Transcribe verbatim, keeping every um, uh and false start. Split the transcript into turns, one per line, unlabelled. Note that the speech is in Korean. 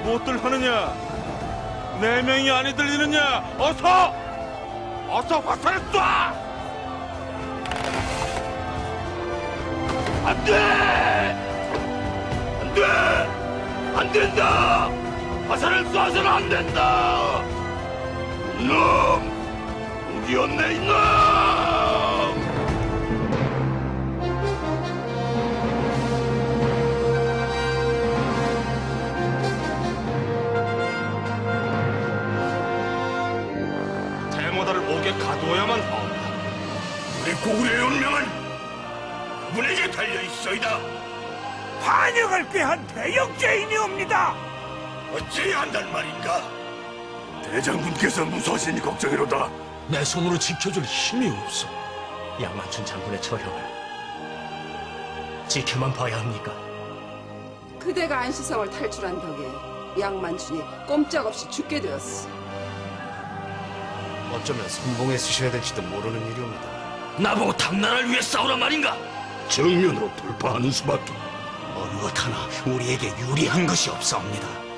무엇들 하느냐? 네 명이 안이 들리느냐? 어서! 어서 화살을 쏴! 안 돼! 안 돼! 안 된다! 화살을 쏴서는 안 된다! 이놈! 우기였네, 이놈! 대모다를 옥에 가두어야만 하옵니다. 우리 고구려의 운명은 그분에게 달려있어이다.
반역을 꾀한 대역죄인이옵니다.
어찌해야 한단 말인가? 대장군께서 무서우시니 걱정이로다.
내 손으로 지켜줄 힘이 없어. 양만춘 장군의 처형을 지켜만 봐야 합니까?
그대가 안시성을 탈출한 덕에 양만춘이 꼼짝없이 죽게 되었어.
어쩌면 선봉에 쓰셔야 될지도 모르는 일이옵니다. 나보고 당나라를 위해 싸우란 말인가?
정면으로 돌파하는 수밖에.
어느 것 하나 우리에게 유리한 것이 없사옵니다.